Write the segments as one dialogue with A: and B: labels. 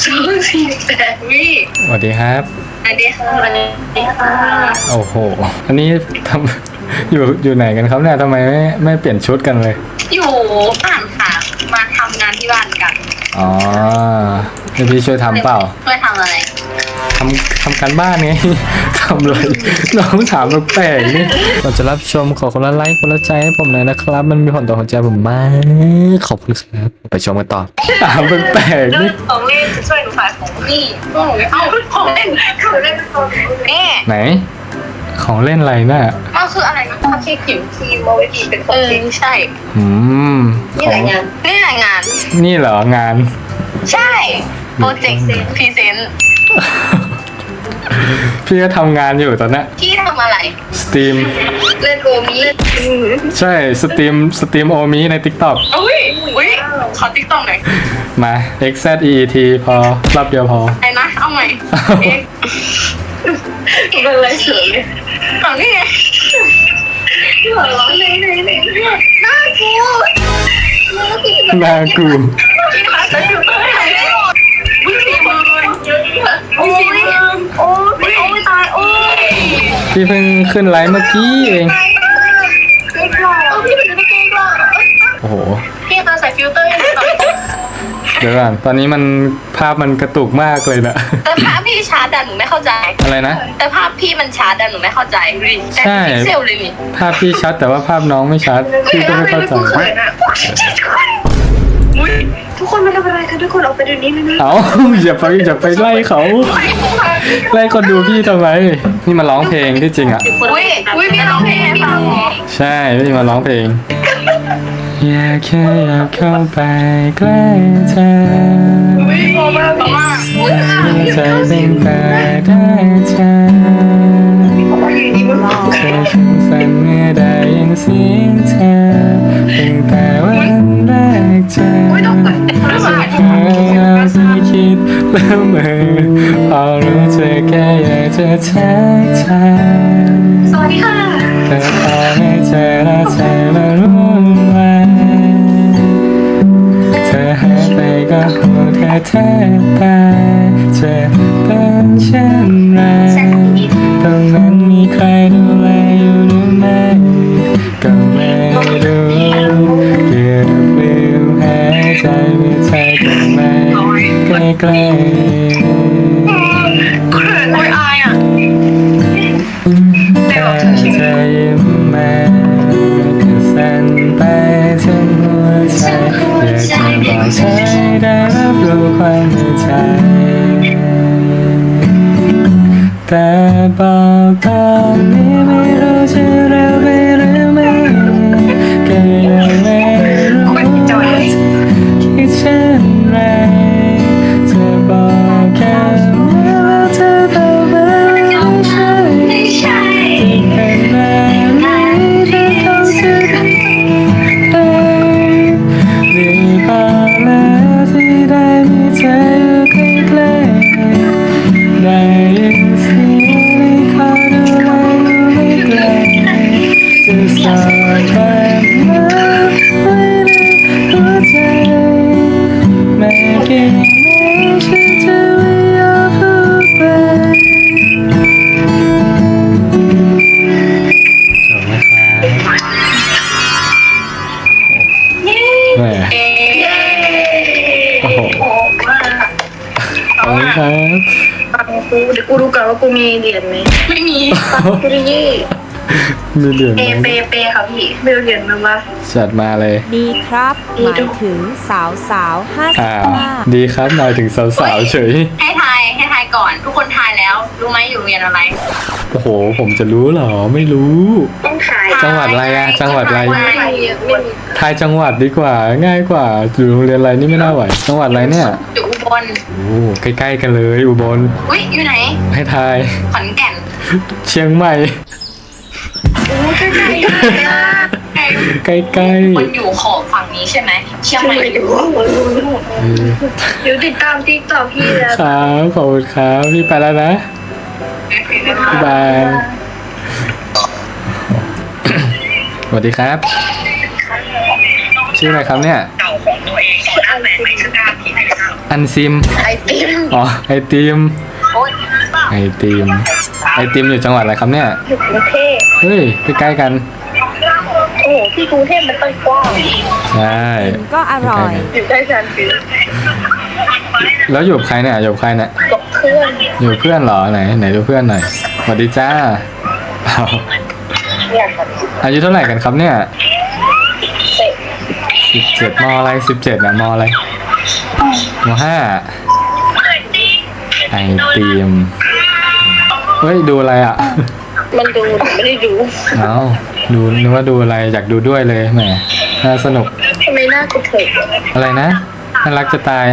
A: 248วิ
B: สวัสดีครับ
A: สวัสดีค่ะสวัสดีค่ะ
B: โอ้โห อันนี้ทำ อยู่ไหนกันครับเนี่ยทำไมไม่เปลี่ยนชุดกันเลย
A: อยู่บ้านค่ะมาทำงานที่บ้านกัน
B: อ๋อให้พี่ช่วยทำเปล่า
A: ช่วยทำอะไร
B: ทำการบ้านไง ทำเลยน้องถามแปลกๆนี่ก่อนจะรับชมขอคนละไลค์คนละใจให้ผมหน่อยนะครับ มันมีผลต่อหัวใจผมมากขอบคุณครับไปชมกันต่อถามแปลกๆนี่
A: ของเล่นจะช่วยหนูขายของนี่เอาของเล่นนี่
B: ไหน ของเล่นอะไรน่ะ
A: มันคืออะไรนะพับที่ผิวครีมเอาไว้ผิวเป็นของจริงใช่
B: อืม
A: นี่รายงานนี่รายงาน
B: นี่เหรองาน
A: ใช่โปรเจกต์พรีเซนต์
B: พี่ก็ทำงานอยู่ตอนนี้
A: ที่ทำอะไร
B: สตรีม
A: เล่นโอมิ
B: ใช่สตรีมโอมิใน TikTok
A: อุ้ยขอติ๊กต็อกหน่อย
B: มา XZEET พอรอบเดียวพอ
A: ไอ้นะเอาใหม่เอ็กเป็นอะไรเฉยฝั่งนี้ไงหัวเราะเลยน่ากู
B: นากู
A: ที่ร้านจะอยู่ตรงไหนวิ่งสี่หมื่นโอ้ยโอ้ยตายโอ้ย
B: พี่เพิ่งขึ้นไลฟ์เมื่อกี้เอง
A: พี่เป็นนักเก่งว่ะ
B: โอ้โห
A: พี่ตาใส่ฟิลเตอร์ให้หน่อย
B: เดี๋ยวก่อนตอนนี้มันภาพมันกระตุกมากเลยนะ
A: แต่ภาพพี่ชาร์จหนูไม่เข้าใจ
B: อะไรนะ
A: แต่ภาพพี่มันชาร์จหนูไม่เข้าใจดูดิแต่
B: ใช่
A: พิกเซลเลยนี่
B: ภาพพี่ชัดแต่ว่าภาพน้องไม่ชัด พี่ก็ไม่เข้าใจ
A: ทุกคนมาทำอะไรกันทุกคนออกไปเดี๋ยวนี้เลยนะ
B: เอาอย่าไปไล่เขา ไล่คนดูพี่ทำไม นี่มาร้องเพลงที่จริงอ่ะ
A: อุ้ยพี่ร้องเพลงให้ฟัง
B: ใช่พี่มาร้องเพลง อยากแค่อยากเข้าไปใกล้เธอ
A: อุ้ยพอมากพอมากอุ้ย
B: ใจเป็นตาได้เธอเธอช่างสั่นเมื่อได้ยินเสียงเธอตั้งแต่วันแรกเจอจะพยายามจะคิดแล้วเมื่อพอรู้เธอแค่อยากจะทักทาย
A: สวัสดีค่ะ
B: แต่พอไม่เจอแล้วใจมันวุ่นวายเธอหายไปก็หัวเธอแทบตายจะเป็นเช่นไรตรงนั้นมีใครดูแลอยู่หรือไม่ก็ไม่รู้เกือบลืมหายใจเมื่อเธอก็ไม่ใกล้ๆ
A: โอ้ยอายอ่ะ
B: ถ้าเธอยิ้มมาก็สั่นไปทั้งหัวใจอยากจะบอกเธอให้ได้รับรู้ความในใจแต่บอกตอนนี้ไม่รู้จะเร็วไปหรือไม่ก็ยังไม่รู้ว่าคิดเช่นไรจะบอกแค่ว่าเธอตอบมาไม่ใช่เป็นแบบนี้เธอคงจะได้ดีพอแล้วที่ได้มีเธออยู่ใกล้ๆได้ยินเสียงในคอดูแลอยู่ไม่ไกลจะสอดความรักไว้ในหัวใจแม้กี่แม้ฉันจะไม่ยอมพูดไปจบไหมครับแหมโอ้โหขอบคุณครับ
A: กูเดี๋ยวกูดูก่อนว่ากูมีเหรียญไหมไม่มีกูได้ยี่
B: มีเหรียญ
A: เป
B: ไหม
A: ค่ะพี่ไม่เอาเหรียญมา
B: จัดมาเลย
C: ดีครับหมายถึงสาวสาว55
B: ดีครับหมายถึงสาวๆเฉย
A: ให้ทายก่อน ทุกคนทายแล้ว รู้ไหมอยู่โรงเรียนอะไร
B: โอ้โห ผมจะรู้เหรอ ไม่รู้
A: ต้องทาย
B: จังหวัดอะไรอะจังหวัดอะไร
A: ไม่มี
B: ทายจังหวัดดีกว่า ง่ายกว่า อยู่โรงเรียนอะไรนี่ไม่น่าไหว จังหวัดอะไรเนี่ย
A: อยู่อุบล
B: โอ้ใกล้ๆกันเลยอุบล
A: อุ้ยอยู่ไหน
B: ให้ทาย
A: ขอนแก่น
B: เชียงใหม่
A: ใกล้ๆ
B: ใกล้
A: คนอยู่ขอบฝั่งนี้ใช่ไหมเชียงใหม่อยู่
B: ๆ
A: เดี๋ยวติดตามติ๊กต็อกพี่แล้ว
B: ครับขอบคุณครับพี่ไปแล้วนะบ๊ายบายสวัสดีครับ ชื่ชื่ออะไรครับเนี่ย
A: เก่าของตัวเองตอนหน้าแฟนไม่ชื่อกล้าผิดนะครับ
B: อันซิม
A: ไอติม
B: อ๋อไอติม
A: โอ๊ย
B: ไอติมไอติมอยู่จังหวัดอะไรครับเนี่ย
A: อยู่กรุงเทพ
B: เฮ้ยใกล้ๆกัน
A: โอ้โหที่กรุงเทพมันต้องกว้าง
B: ใช่
C: ก็อร่อย
A: อยู่ใกล้ชันฟิว
B: แล้วอยู่กับใครเนี่ยอยู่กับใครเนี่ย
A: กับเพื่อน
B: อยู่กับเพื่อนเหรอไหนดูเพื่อนหน่อยสวัสดีจ้าเอา
A: อยากแบบ
B: อายุเท่าไหร่กันครับเนี่ย
A: เตะ
B: 17มอะไร17นะมอะไรม5ไอติมเฮ้ยดูอะไรอ่ะ
A: มันดูหนูไม่ได้ดู
B: เอาดูนึกว่าดูอะไรอยากดูด้วยเลยแหมน่าสนุก
A: ทำไมหน้ากูเถิด
B: อะไรนะน่ารักจะตาย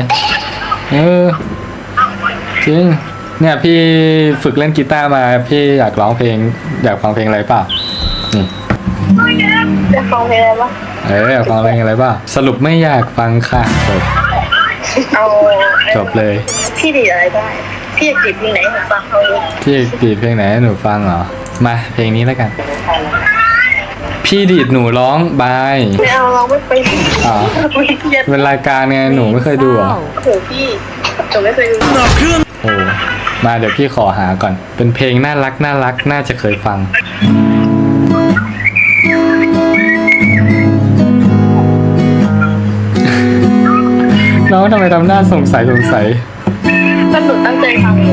B: จริงเนี่ยพี่ฝึกเล่นกีตาร์มาพี่อยากร้องเพลงอยากฟังเพลงอะไรเปล่านี่
A: จะฟังเพลงอะไรวะ
B: อยากฟังเพลงอะไรเปล่าสรุปไม่อยากฟังค่ะจบ
A: เอา
B: จบเลย
A: พี่ดีอะไรได้พี่อยากจีบเพลงไหนผมฟังเขาเลย
B: พี่ดีดเพลงไหนให้หนูฟังเหรอมาเพลงนี้แล้วกัน พี่ดีดหนูร้องบาย
A: ไม่เอาเราไม่ไป
B: อ๋อ
A: ไม่เครียด
B: เป็นรายการไงหนูไม่เคยดูเหรอ
A: โอ้โหพี่จบไม่เคยดู
B: โอ้มาเดี๋ยวพี่ขอหาก่อน เป็นเพลงน่ารักน่าจะเคยฟัง น้องทำไมทำหน้าสงสัย
A: แต่หนูตั้งใจฟังเลย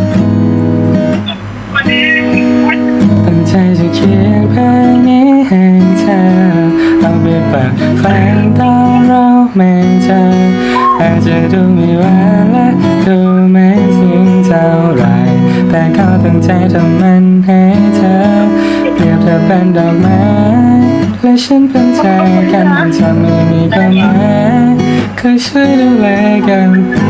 B: ตั้งใจจะเขียนเพลงนี้ให้เธอเอาไปเปิดฟังตอนเราไม่เจออาจจะดูไม่หวานและดูไม่ซึ้งเท่าไหรแต่เขาตั้งใจทำมันให้เธอเปรียบเธอเป็นดอกไม้และฉันเป็นใจกันมันจะไม่มีความหมายเคยช่วยดูแลกัน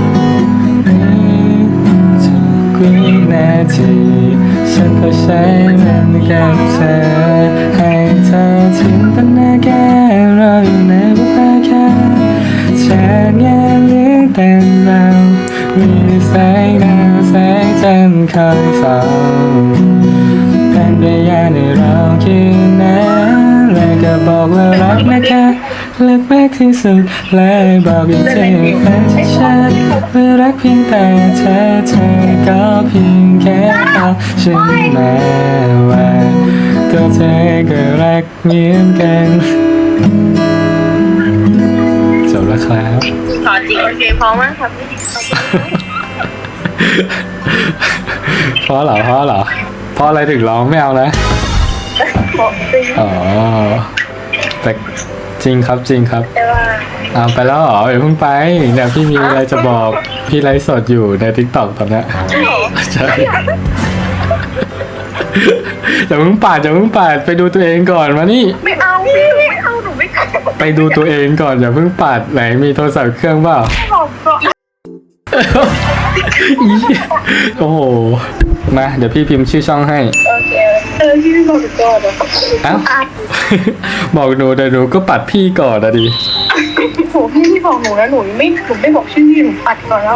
B: ทุกวินาทีฉันก็ใช้มันกับเธอให้เธอจินตนาการเราอยู่ในบุพกาจากงานเลี้ยงแต่งเรามีแสงดาวแสงจันทร์คอยส่องเป็นพยานให้เราคืนนั้นและก็บอกว่ารักนะคะรักมากที่สุดและบอกอีกทีแฟนฉันว่ารักเพียงแต่เธอก็เพียงแค่เอาฉันมาว่าตัวเธอก็รักเหมือนกันจบแล้วครับ
A: ขอจริงโอเคพร้อมมากครับพี่
B: เพราะเหรอเพราะอะไรถึงร้องไม่เอานะ
A: ขอจริง
B: อ๋อแต่จริงครับ
A: แต่ว่า
B: เอาไปแล้วเหรออย่าเพิ่งไปเดี๋ยวพี่มีอะไรจะบอกพี่ไลฟ์สดอยู่ใน TikTok ตอนเนี้ย
A: ใช่เหรอ
B: ใช่อย่าเพิ่งปาดไปดูตัวเองก่อนมานี่
A: ไม่เอาพี่ไม่เอาหนูไม่ขอ
B: ไปดูตัวเองก่อนอย่าเพิ่งปาดไหนมีโทรศัพท์เครื่องเปล่า
A: บอกก่อน
B: อีโอ้โหมาเดี๋ยวพี่พิมพ์ชื่อช่องให้
A: โอเคพี่ไม่บอกก่อนนะ
B: เอ้า บอกหนูแต่หนูก็ปัดพี่ก่อนนะดิ
A: โหพี่บอกหนูแล้วหนูไม่บอกชื่อพี่หนูปัดก่อนแล้ว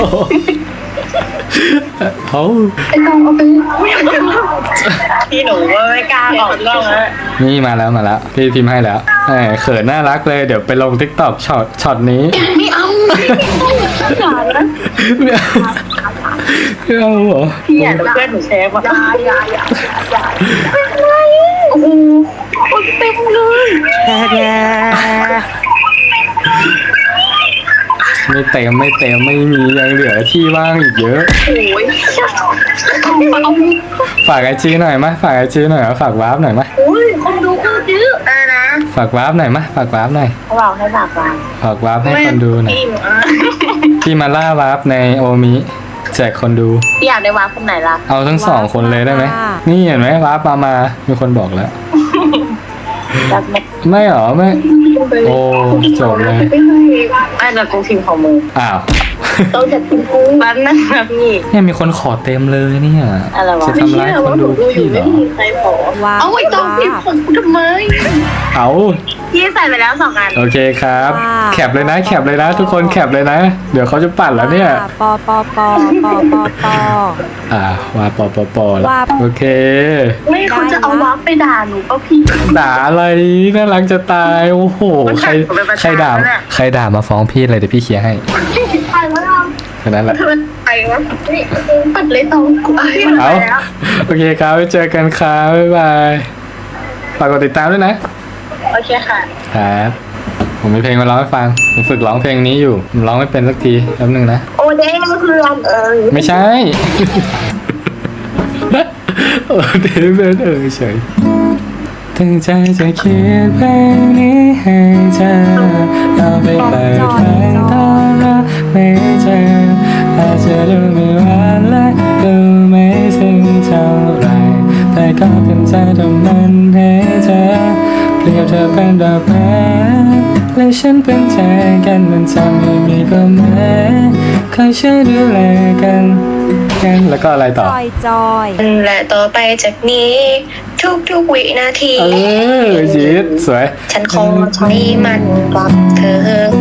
B: เขา
A: ไอ้กองเอาไปพี่หนูว่าไม่กล้าออกกล้องแล้ว
B: นี่มาแล้วพี่พิมพ์ให้แล้วแหมเขินน่ารักเลยเดี๋ยวไปลง TikTok ช็อตนี้
A: ไม่เอาอย่านะ
B: ไม่เอาเหรอ
A: พี่อยากเพื่อนหนูแชร์ป่ะอย่าโอ้โหคนเต็มเลย
B: ไม่เต็มไม่มียังเหลือที่ว่างอีกเยอะ
A: โอ้ย
B: ฝากไอจีหน่อยมะฝากไอจีหน่อยฝากวาร์ปหน่อยมะ
A: โอ้ยคนดูก็เยอะนะ
B: ฝากวาร์ปหน่อยมะฝากวาร์ปหน่อย
A: เขาบอกให้ฝากวาง
B: ฝากวาร์ปให้คนดูหน่อย
A: พี่หนู
B: พี่มาล่าวาร์ปในโอมิแจกคนดู
A: พี่อยากได้วางคนไหนล่ะ
B: เอาทั้งสองคนเลยได้ไหมนี่เห็นไหมวาร์ปมามีคนบอกแล้ว
A: รักไหม
B: ไม่หรอไม่โอ้จบเลย
A: ไอ้เรากูพิมพ์ของมือ
B: อ้าว
A: ต้องจัดพิมพ์กูบ้านนั่นนะพี่
B: เนี่ยมีคนขอเต็มเลยเนี่ย
A: อะไรวะ
B: จะทำร้ายคนดูพี่เหรอ
A: ใครขอ
C: ว้าว
A: เอาไว้ต้องพิมพ์ของกูทำไม
B: เอา
A: พี่ใส่ไปแล้ว2 อัน
B: โอเคครับ แคปเลยนะแคปเลยนะ ทุกคนแคปเลยนะ เดี๋ยวเขาจะปั่นแล้วเนี่ย
C: ปอปอปอปอปอปอ
B: ว่าปอแล้ว
C: ว่า
B: โอเค
A: ไม่เขาจะเอาวับไปด่าหนูก็พี่
B: ด่าอะไรน่ารักจะตายโอ้โหใครด่ามาฟ้องพี่เลยเดี๋ยวพี่เคลียร์ให้
A: ไปแล้ว
B: แค่นั้นแหละ
A: มันไปวะนี่ปัดเลยตองกูไป
B: เอา
A: แล้ว
B: โอเคครับไว้เจอกันครับบ๊ายบายฝากกดติดตามด้วยนะ
A: โอเคค่ะ
B: ครับผมมีเพลงมาร้องให้ฟังผมฝึกร้องเพลงนี้อยู่ผมร้องไม่เป็นสักทีแป๊บนึงนะ
A: โอเด้เพื่อน
B: ไม่ใช่ โอ้เดวิดเฉยตั้งใจจะเขียนเพลงนี้ให้เธอเอาไปเปิดฟังตอนเราไม่เจออาจจะดูไม่หวานและดูไม่ซึ้งเท่าไรแต่ก็เต็มใจทำมันให้เธอเปรียบเธอเป็นดอกไม้และฉันเป็นใจกันมันทำให้มีความหมายคอยช่วยดูแลกันแล้วก็อะไร
C: จ
B: ต่อ
C: อยจอย
A: และต่อไปจากนี้ทุกวินาที
B: จีดสวย
A: ฉันคงใช้มันกับเธอ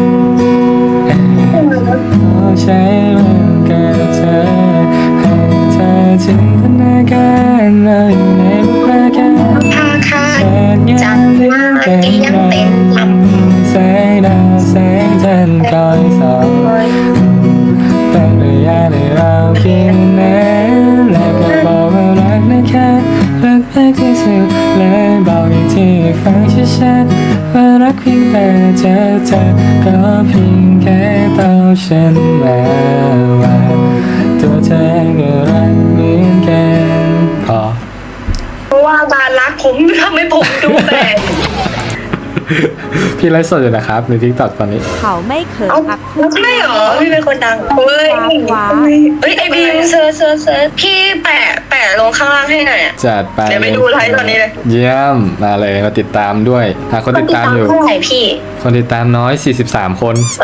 B: ขอใช้มันกับเธอให้เธอจินตนาการเราอยู่ในบุพการ
A: พาคาจันทร์มาที่ยังเต็มลำ
B: แสงดาวแสงจันทร์คอยส่องตั้งระยะในเราเพียงนั้นและก็บอกว่ารักนะคะรักมากที่สุดและบอกอีกทีให้ฟังชัดๆว่ารักเพียงแต่เจอเธอก็เพียงแค่ต้องฉันมาว่าตัวเธอก็รักเหมือนกันพอ
A: เพราะว่าการรักผมทำให้ผมดูแปลก
B: พี่ไลฟ์สดอยู่นะครับในทิกตอกตอนนี้
C: เขาไม่เขิน
A: เอ้า
C: อัพ
A: ใช่เหรอพี่เป็นคนดังเฮ้ยเฮ้ยไอบีมเซิร์ชพี่แปะลงข้างล่างให้หน่อย
B: จัดไป
A: เดี๋ยวไปดูไลฟ์ตอนนี้เลย
B: เยี่ยมมาเลยมาติดตามด้วยคนติดตามอยู่
A: เท่าไหร่พี่
B: คนติดตามน้อย43 คน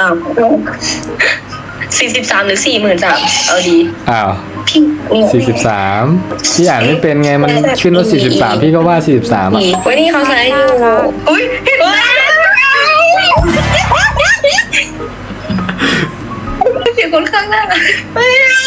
A: 43 หรือ 43,000เอาดี
B: อ้าว
A: พี่
B: 43พี่อ่านไม่เป็นไงมันขึ้นว่า43พี่ก็ว่า43อ่ะ
A: วันนี้เขาใช้อยู่อุ้ยเสียงคนข้างหน้าไม่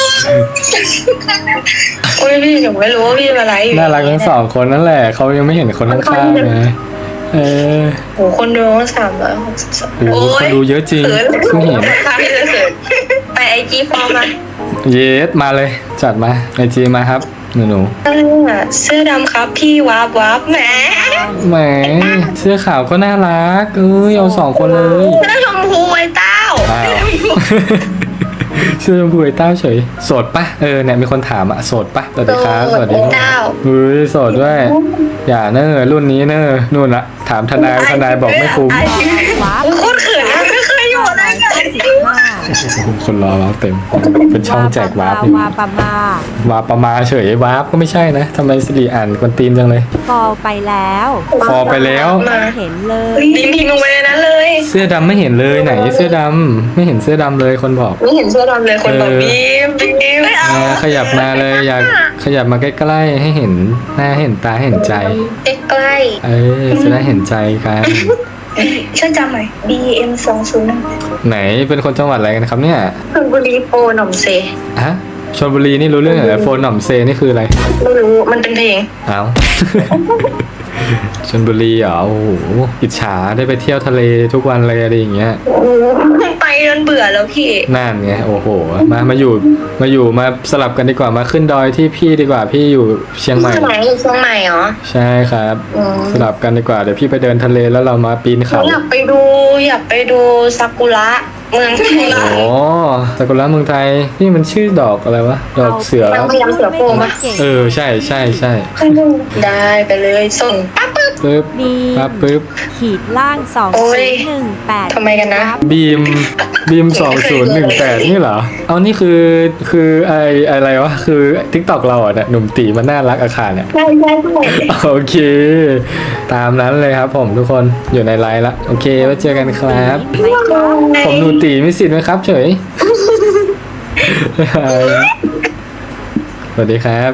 A: โอ้ยพี่หนูไม่รู้ว่าพี่มาไลฟ์อยู่
B: น่ารักทั้งสองคนนั่นแหละเขายังไม่เห็นคนข้างๆไง
A: โหคนดู362
B: โอ้คนดูเยอะจริงเพิ่งเห็น
A: พี่จะเขินไปไอจีฟอร์มมา
B: เยสมาเลยจัดมาไอจีมาครับหนู
A: เสื้อดำครับพี่วับแหม
B: แหมเสื้อขาวก็น่ารักเอา2 คนเลย
A: เสื้อชมพูไอ้เต้า
B: อ้าวเสื้อชมพูไอ้เต้าเฉยโสดปะเนี่ยมีคนถามอะโสดปะสวัสดีครับสวัสดี
A: เต้า
B: โสดด้วยอย่ารุ่นนี้นู่นละถามทนายบอกไม่คุ้ม
C: ว้า
A: โคตรเขินนะไม่เคยอยู่อะไรกัน
C: 15
B: คนรอวาร์ปเต็มเป็นช่องแจกวาร์ปอยู่
C: วาปะมาว
B: าร์ปประมาเฉยวาร์ปก็ไม่ใช่นะทำไมสิริอ่านคนตีนจังเลย
C: ฟอลไปแล้ว
B: ฟอลไปแล้ว
C: ไม่เห็นเลย
A: พิมพ์ลงไปในนั้นเลย
B: เสื้อดำไม่เห็นเลยไหนเสื้อดำไม่เห็นเสื้อดำเลยคนบอก
A: ไม่เห็นเสื้อดำเลยคนบอกบีมไม่เอา
B: ขยับมาเลยอยากขยับมาใกล้ๆให้เห็นหน้าเห็นตาเห็นใจ
A: ใกล้
B: จะได้เห็นใจกัน
A: ช่วยจำหน่อย BM 201
B: ไหนเป็นคนจังหวัดอะไรกันครับเนี่ย
A: ชลบุรีโปรหน่อมเซ
B: ฮะชลบุรีนี่รู้เรื่องเหรอโฟนหน่อมเซนี่คืออะไร
A: ไม่รู้มันเป็นเพลง
B: เอา ชลบุรีเหรอโอ้โหอิจฉาได้ไปเที่ยวทะเลทุกวันเลยอะไรอย่างเงี้ย
A: ไปจนเบื่อแล้วพี่
B: นั่นไงโอ้โหมาอยู่มาสลับกันดีกว่ามาขึ้นดอยที่พี่ดีกว่าพี่อยู่เชียงใหม่
A: เชียงใหม่เหรอ
B: ใช่ครับ
A: อืม
B: สลับกันดีกว่าเดี๋ยวพี่ไปเดินทะเลแล้วเรามาปีนเขา
A: อยากไปดูซากุระเมืองไทย
B: โอ้ซากุระเมืองไทยนี่มันชื่อดอกอะไรวะดอกเสือ
A: มันพยายามเสือโคร่งปะ
B: ใช่
A: ได้ไปเลยส่งปั๊บ
B: ปึ๊บ
C: บี
B: ปั๊บปึ๊บ
C: ขีดล่าง
A: โอ้ย
C: 2018
A: ทำไมกันนะ
B: บีม2018นี่เหรอเอานี่คืออะไรวะคือ TikTok เราอ่ะเนี่ยหนุ่มตีมันน่ารักอาคารเนี่ย
A: ใช่
B: โอเค ตามนั้นเลยครับผมทุกคนอยู่ในไลน์ละโอเคไว้เจอกันครับ
C: ไม่ครับ
B: ผมหนูตีมีสิทธิ์ไหมครับเฉย สวัสดีครับ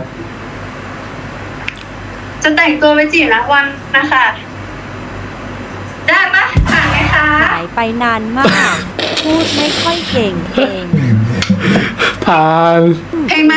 A: จะแต่งตัวไปจีบรักวันนะคะได้ปะ
C: ไปนานมาก พูดไม่ค่อยเก่งเอง
B: ผ่าน
A: เพลงมา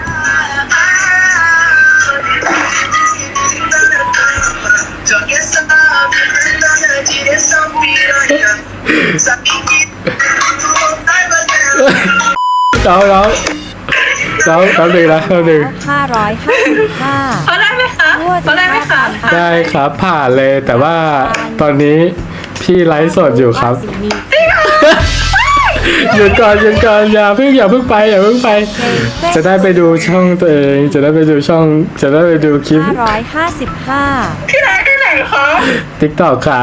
B: เราแป๊บนึงนะแป๊บนึง
C: 555
A: เขาได้ไหมคะเขาได้ไหมคะ
B: ได้ครับผ่านเลยแต่ว่าตอนนี้พี่ไลฟ์สดอยู่ครับ หยุดก่อนอย่าเพิ่งไป จะได้ไปดูช่องตัวเองจะได้ไปดูคลิป
C: 555
A: ที่ไหนที่ไหนคะ
B: TikTok ค่ะ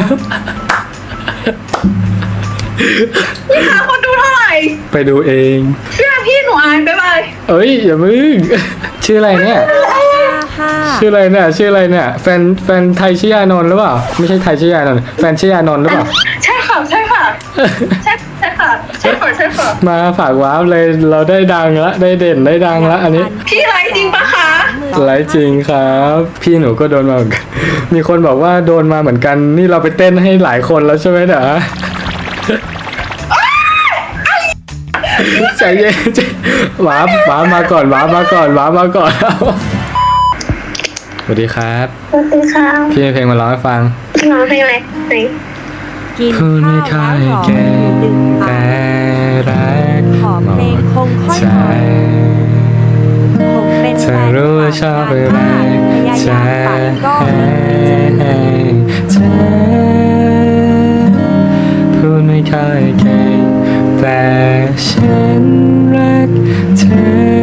A: พี่คะคนดูเท่าไหร่
B: ไปดูเอง
A: เชื่อพี่หนูอายบ๊ายบาย
B: เอ้ยอย่ามึง ชื่ออะไรเนี่ยชื่ออะไรเนี่ยแฟนไทยชื่อยานนท์หรือเปล่าไม่ใช่ไทยชื่อยานนท์แฟนชื่อยานนท์หรือเปล่า
A: ใช่ค่ะใช่ค่ะใช่ค่ะ
B: มาฝากว้าวเลยเราได้ดังละได้เด่นได้ดังละอันนี้
A: พี่ไลฟ์จริงปะคะ
B: ไลฟ์จริงครับ พี่หนูก็โดนมาเหมือนกันมีคนบอกว่าโดนมาเหมือนกันนี่เราไปเต้นให้หลายคนแล้วใช่ไหมเด้อใจเย็นว้ามาก่อนสวัสดีครับ
A: สวัสดีค่ะ
B: พี่มีเพลงมาร้องให้ฟัง
A: ร้องเพลงอะไรไหน
C: กิน
B: พูดไม่ค่
C: ข้า
B: อ
C: วย แล้ว
B: เก่ง
C: ดึง
B: แต่
C: อ่าน
B: รัก
C: ขอเพลงคงค่อย
B: ใจ
C: หน่อยผมเป็น
B: เธ
C: แฟ
B: อนรู้ว่าชอบอะไร
C: พยายามปัดก็ไม่
B: เธอพูดไม่ค่อยเก่งแต่ฉันรักเธอ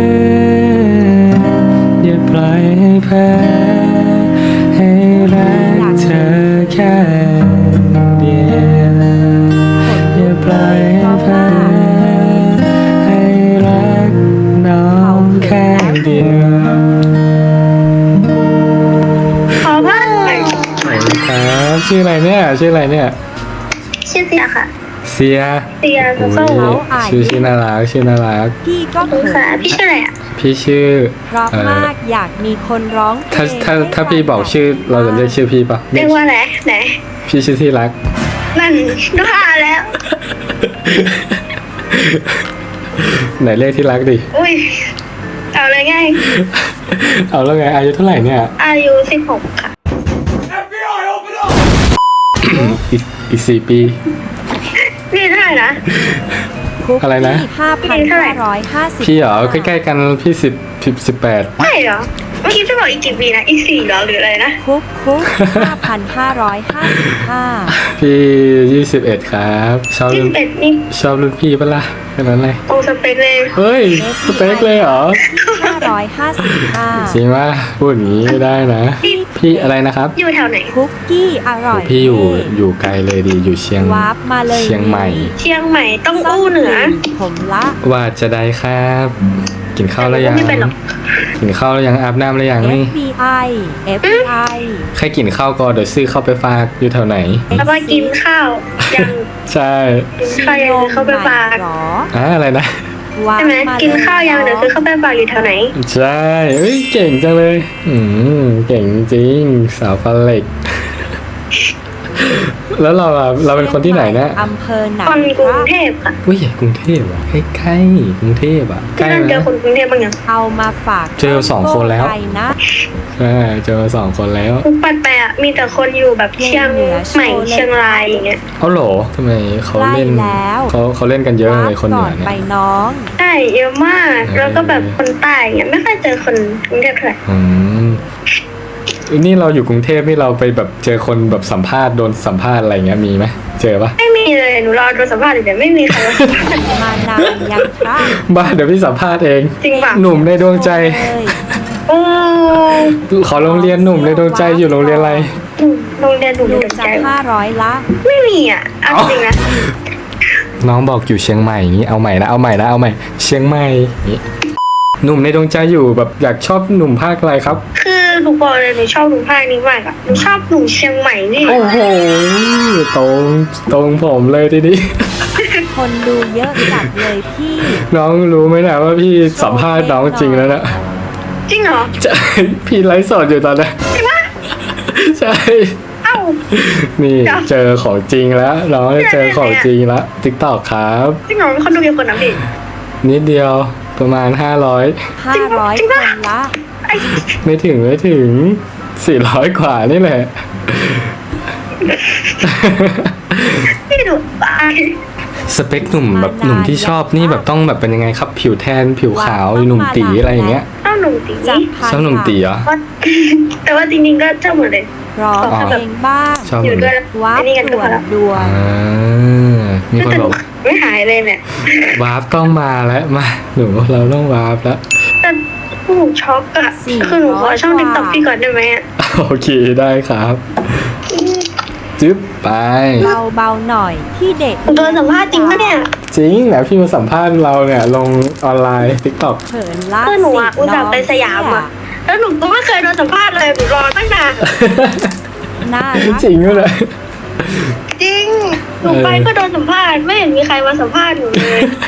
B: อย่าปล่อยให้แพ้ให้รักเธอแค่เดียวอย่าปล่อยให้แพ้ให้รักน้องแค่เดียว
A: ขอบ้านหน่อย
B: ครับชื่ออะไรเนี่ย
A: ชื่อเสียค่ะ
B: เสีย
A: เสีย
B: โอ้
A: ส้ม
B: ยชื่อน่ารัก
C: พี่ก็
A: ขอบคุณ
C: เขิ
A: ค่ะ
C: น
A: พี่ชื่ออะไรอ่ะ
B: พี่ชื่อ
C: เพราะมากอยากมีคนร้องเพลง
B: ถ้าพี่บอกชื่อเราจะเรียกชื่อพี่ปะ
A: เรียกว่าอะไรไหน
B: พี่ชื่อที่รัก
A: นั่นดูท่าแล้ว
B: ไหนเรียกที่รักดิ
A: อุ้ยเอาเลยไง
B: เอาแล้วไงอายุเท่าไหร่เนี่ย
A: อายุ16ค่ะ
B: อีก4 ปี
A: นี่เท่าไหร่นะ
C: คุก
B: อะไรนะ
C: 5,550
B: พี่เหรอใกล้ๆกันพี่18
A: ใช่เหรอเมื่อกี้จะบอกอีกกี่ปีนะอีก4เหรอหรืออะไรนะ
C: คุก5,555
B: พี่21ครับชอบรุ่น
A: 21นี่
B: พี่ปะล่ะแค่นั้นเลย
A: ตรงสเปคเลย
B: เฮ้ยสเต็กเลยเหรอ
C: 555
B: จริงว่าพูดอย่างนี้ไม่ได้นะ พี่อะไรนะครับ
A: อยู่แถวไหน
C: คุกกี้อร่อย
B: พี่อยู่ไกลเลยดีอยู่เชียง
C: วาร์ปมาเลย
B: เชียงใหม่
A: เชียงใหม่ต้อง
C: ซ่อ
A: อู้เหนือ
C: ผมละ
B: ว่าจะได้ครับ กินข้าวแล้วยัง
A: ไม่เป็นหรอก
B: กินข้าวแล้วยังอาบน้ำแล้วยังนี่
C: FBI
B: ใครกินข้าวก่อนเดี๋ยวซื้อเข้าไปฝากอยู่แถวไหน
A: แล้วก็กินข้าวยัง
B: ใช่
A: กินข้าวยังเข้าไปฝาก
C: หรอ
B: อะไรนะ
C: วาร์
A: ใช่
C: ป
A: ไหม
C: มา
A: กินข้าวยังเดี๋ยวซื้อเข้าไปฝากอยู่แถวไหน
B: ใช่เอ้ยเก่งจังเลย เก่งจริงสาวฟันเหล็ก แล้วเราเป็นคนที่ไหนนะ
C: อำเภอหนั
A: คนกรุงเทพค่ะ
B: อุ้ยกรุงเทพอ่ะใกล้ๆกรุงเทพอ่ะใก
A: ที่
B: ล้
A: นั่นเจอ
B: นะ
A: คนกรุงเทพบ้างยัง
C: เอามาฝาก
B: เจอ2 คนแล้ว
C: ไปนะ
B: ใช่เจอ2 คนแล้ว
A: ทุกปัดไปอ่ะมีแต่คนอยู่แบบเชียงใหม่เชียงรายอย่างเงี้ย
B: เอาเหรอทำไมเขาเล่น
C: ไล่แล้ว
B: เขาเล่นกันเยอะเลยคนเหนือ
C: ก่
B: เนี่
C: ไป
B: ย
C: น้อง
A: ใช่เยอะมากแล้วก็แบบคนใต้อย่างเงี้ยไม่ค่อยเจอคนกรุงเทพเท่าไหร่
B: อืมนี่เราอยู่กรุงเทพนี่เราไปแบบเจอคนแบบสัมภาษณ์โดนสัมภาษณ์อะไรเงี้ยมีไหมเจอปะ
A: ไม่มีเลยหนูรอโดนสัมภาษณ์อยู่แต่ไม่มีใครมาสัมภาษณ์
C: มานานยังครับ
B: บ้าเดี๋ยวพี่สัมภาษณ์เอง
A: จริงป่ะ
B: หนุ่มในดวงใจ
C: เลย
A: โอ้
B: ขอโรงเรียนหนุ่มในดวงใจอยู่โรงเรียนอะไร
A: โรงเรียนหนู
C: ดู
A: สน
C: จะ
A: ใจ
C: 500ละ
A: ไม่มีอ่ะเอาจริงนะ
B: น้องบอกอยู่เชียงใหม่อย่างนี้เอาใหม่เชียงใหม่อย่างงี้หนุ่มในดวงใจอยู่แบบอยากชอบหนุ่มภาคอะไรครับ
A: คือหนูบอกเลยหนูชอบหนุ่มภาคนี้มากอ่ะหนูชอบหนุ่มเชียงใหม่นี่
B: โอ้โหตรงผมเลยทีนี้
C: คนดูเยอะจัดเลยพี่
B: น้องรู้ไหมนะว่าพี่สัมภาษณ์น้องจริงแล้วนะ
A: จริงเหรอ
B: ใช่พี่ไลฟ์สดอยู่ตอนนี้
A: จริงปะ
B: ใช่
A: เอ้า
B: นี่เจอของจริงแล้วน้องเจอของจริงแล้ว TikTok ครับ
A: จริงเหรอคนดูกี่คนนะพี่
B: นิดเดียวประมาณ500
C: 500 คนละ
B: ไม่ถึง400 กว่านี่แหละ
A: พี่ดูตาย
B: สเปคหนุ่มแบบหนุ่มที่ชอบนี่แบบต้องแบบเป็นยังไงครับ ผิวแทนผิวขาวหนุ่มตีอะไรอย่างเงี้ย
A: เจ้าหนุ่มตี
C: จะพา
B: ชอบหนุ่มตีเหรอ
A: แต่ว่าจริงๆก็เจ้าหมดเลย
C: ร้องเพลงบ้าง
B: ชอบ
A: อยู่ด้วย
C: วับ
A: ไอ้นี่กันก็
C: ด่
A: พ
C: ว
A: อน แล้ว
C: ด่วน
B: อ่ามีคนบอก
A: ไม่หายเลยเนี่ยว
B: าร์ปต้องมาแล้วมาหนูเราต้องวาร์ปแล้ว
A: แต่หนูช็อกอะคือหนูขอช่องติ๊กต็อกพี่ก่อนได้ไหมอะ
B: โอเคได้ครับจึ๊บไป
C: เบาๆหน่อยที่เด็ก
A: โดนสัมภาษณ์จริงปะเนี่ย
B: จริงแล้วพี่มาสัมภาษณ์เราเนี่ยลงออนไลน์ TikTok
C: เขินล่า
A: คือหนูอะอุตส่าห์ไปสยามอะแล้วหนูก็ไม่เคยโดนสัมภาษณ์เลยหนูรอตั้งนาน
C: น่ารัก
B: จริงด้วยเลย
A: จริงหนูไปก็โดนสัมภาษณ์ไม่เห็นมีใครมาสัมภาษณ์หนูเลย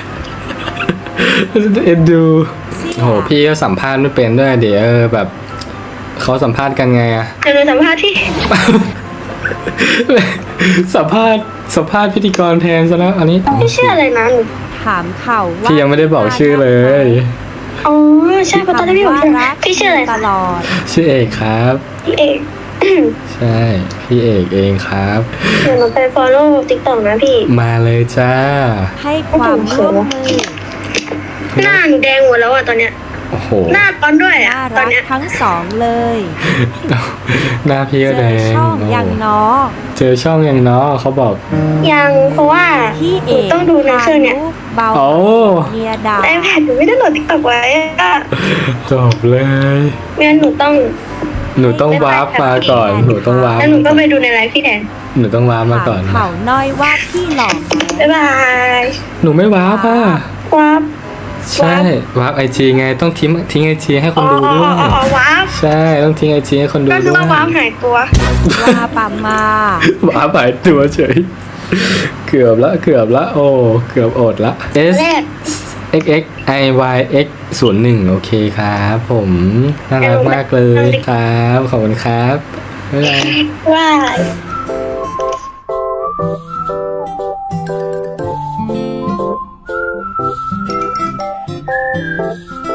B: เอ็นดู
C: เสี่ย
B: โหพี่ก็สัมภาษณ์ไม่เป็นด้วยเดี๋ยวแบบเขาสัมภาษณ์กันไงอะ
A: เดี๋ยวหนูสัมภาษณ์ที่
B: สัมภาษณ์พิธีกรแทนซะแล้วอันนี้
A: ไม่เชื่ออะไรนะหนู
C: ถามเขาว่า
B: พี่ยังไม่ได้บอกชื่อเลย
A: อ๋อใช่เพราะตอนแรกพี่บอกพี่ชื่ออะไร
C: ต
A: คะ
C: ลอด
B: ชื่อเอกครับ
A: พี่เอก
B: ใช่พี่เอกเองครับ
A: เดี๋ยวหนูไป follow TikTok นะพี่
B: มาเลยจ้า
C: ให้ความร่วมมือ
A: หน้าหนูแดงหมดแล้วอะตอนเนี้ย
B: โอ้โห
A: หน้าตอนด้วยอะ
C: น่า
A: ตอ
C: รั
A: น
C: ก
A: เนี้ย
C: ทั้งสองเลย
B: หน้าพี่
C: เจ
B: ก็แด
C: อง ช่อง
B: โอ้
C: ยังน้อ
B: เจอช่องยังเนาะเขาบอก
A: ยังเพราะว่า
C: พี่
A: ห
C: เอ
A: นู
C: ก
A: ต้องดูในเครื่องเนี่ย
C: เบา
B: โอ้
C: เมียดา
A: ไอแพดหนูไม่ได้โหลด TikTok ไว้อะ
B: จบเลย
A: ไม่งั้นหนูต้อง
B: วาร์ปมาก่อนหนูต้องวาร์ป
A: แล้วหนูก็ไปดูในไลฟ์พี่แดน
B: หนูต้องวาร์ปมาก่อน
C: ถามเขาน้อยว่าพี่หล่อไหม
A: บ๊ายบาย
B: หนูไม่วาร์ปอ่ะ
A: วับ
B: ใช่วาร์ปIG ไงต้องทิ้งIG ให้คนดูด้วย
A: วับ
B: ใช่ต้องทิ้งIG ให้คนดู
A: ก็
B: ด้
A: คือ
B: วย
A: ว่าวับหายตัว
C: ว่าปามา
B: วาร์ปหายตัวเฉยเกือบละโอ้เกือบอดละ S
A: แรก
B: X X I Y X 01โอเคครับผมน่ารักมากเลยครับขอบคุณครับบ๊ายบาย
A: ว่า
C: เ